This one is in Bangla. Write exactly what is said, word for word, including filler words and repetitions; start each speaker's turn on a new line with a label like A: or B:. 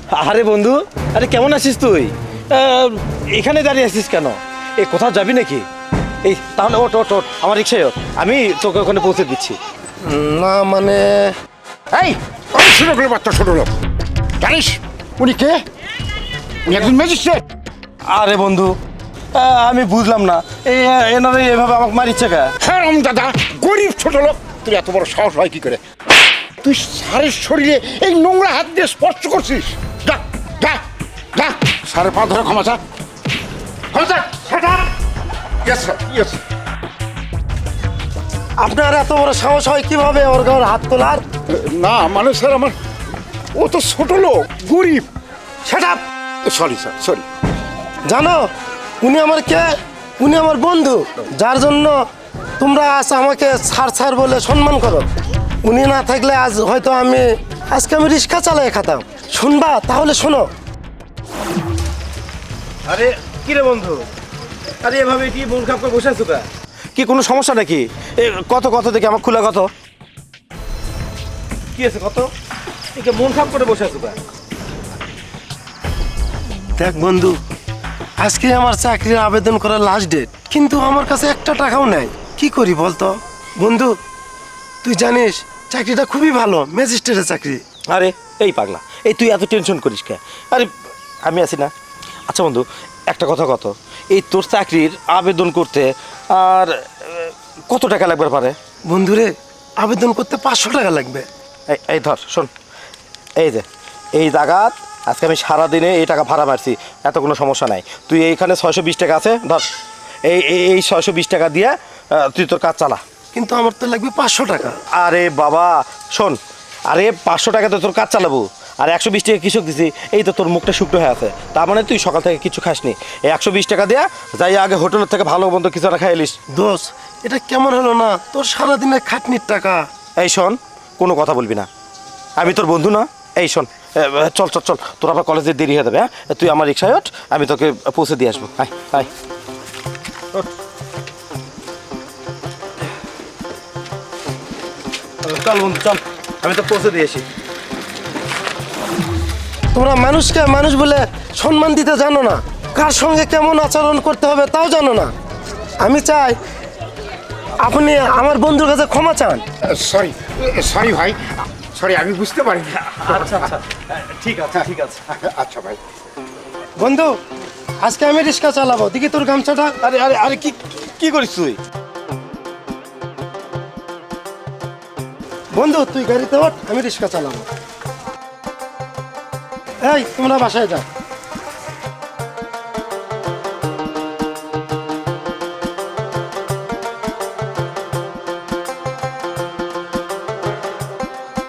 A: আরে বন্ধু, আরে কেমন আছিস তুই? আহ, এখানে দাঁড়িয়ে আছিস কেন? এই কোথাও যাবি নাকি? এই তাহলে ওট ওট ওট আমার রিক্সায় ওঠ, আমি তোকে ওখানে পৌঁছে দিচ্ছি।
B: না মানে
C: এই ওই ছোট লোক বাচ্চা ছোট লোক জানিস উনি কে? উনি একজন ম্যাজিস্ট্রেট।
A: আরে বন্ধু, আহ, আমি বুঝলাম না এই এনারা এভাবে আমাকে মারিচ্ছে কে?
C: হ্যাঁ রাম দাদা, গরিব ছোট লোক, তুই এত বড় সাহস হয় কি করে? তুই সারের শরীরে এই নোংরা হাত দিয়ে স্পর্শ করছিস? যা যা যা, সারে পা ধরে ক্ষমা চা, ক্ষমা চা। Yes sir, yes.
B: আপনার এত বড় সাহস হয় কিভাবে ওর গায়ে হাত তোলার?
C: না মানে স্যার আমার, ও তো ছোট লোক, গরিব।
B: সেটা
C: সরি স্যার, সরি।
B: জানো উনি আমার কে? উনি আমার বন্ধু, যার জন্য তোমরা আজ আমাকে ছাড় ছাড় বলে সম্মান করো। উনি না থাকলে আজ হয়তো আমি আজকে আমি রিক্সা চালাই খাতাম। শুনবা? তাহলে শোনো।
A: আরে কি রে বন্ধু, আরে এভাবে কি মন খারাপ করে বসে আছো কা? কি কোনো সমস্যা নাকি? এ, কত কত দেখি আমার খোলা কত কি আছে কত? একে মন খারাপ করে বসে আছো কা?
B: দেখ বন্ধু, আজকে আমার চাকরির আবেদন করার লাস্ট ডেট, কিন্তু আমার কাছে একটা টাকাও নাই। কি করি বলতো বন্ধু? তুই জানিস চাকরিটা খুবই ভালো, ম্যাজিস্ট্রেটের চাকরি।
A: আরে এই পাগলা, এই তুই এত টেনশন করিস কে? আরে আমি আছি না। আচ্ছা বন্ধু, একটা কথা কত, এই তোর চাকরির আবেদন করতে আর আহ, কত টাকা লাগবে পারে?
B: বন্ধুরে, আবেদন করতে পাঁচশো টাকা লাগবে।
A: এই এই ধর শোন, এই যে এই জায়গাত আজকে আমি সারাদিনে এই টাকা ভাড়া মারছি, এত কোনো সমস্যা নাই। তুই এইখানে ছয়শো বিশ টাকা আছে, ধর এই এই- এই ছয়শো বিশ টাকা দিয়ে আহ, তুই তোর কাজ চালা।
B: কিন্তু আমার তো লাগবে পাঁচশো টাকা।
A: আরে বাবা শোন, আরে পাঁচশো টাকাতে তোর কাজ চালাবো, আর একশো বিশ টাকা কৃষক দিছি, এই তো তোর মুখটা শুকনো হয়ে আছে, তার মানে তুই সকাল থেকে কিছু খাসনি। এই একশো বিশ টাকা দেয়া যাই আগে হোটেলের থেকে ভালো মন্দ কিছু একটা খাই এলিস।
B: দোষ, এটা কেমন হলো না? তোর সারাদিনের খাটনির টাকা।
A: এই শোন, কোনো কথা বলবি না, আমি তোর বন্ধু না। এই শোন, এ, চল চল চল, তোর আবার কলেজে দেরি হয়ে যাবে। হ্যাঁ, তুই আমার রিক্সায় ওঠ, আমি তোকে পৌঁছে দিয়ে আসবো। আয় আয় ওঠ। চল বন্ধু চল, আমি তো পৌঁছে দিয়ে আসি।
B: তোমরা মানুষকে মানুষ বলে সম্মান দিতে জানো না, কার সঙ্গে কেমন আচরণ করতে হবে তাও জানো না। আমি চাই আপনি আমার বন্ধুর কাছে ক্ষমা চান।
C: সরি সরি ভাই, সরি, আমি বুঝতে পারিনি।
A: আচ্ছা আচ্ছা, ঠিক আছে ঠিক আছে।
C: আচ্ছা ভাই।
B: বন্ধু, আজকে আমি রিক্সা চালাবো, দেখি তোর গামছাটা।
A: আরে আরে আরে কি কি করিস তুই?
B: বন্ধু তুই গাড়িতে ওঠ, আমি রিক্সা চালাবো। এই তোমরা বাসায় যাও।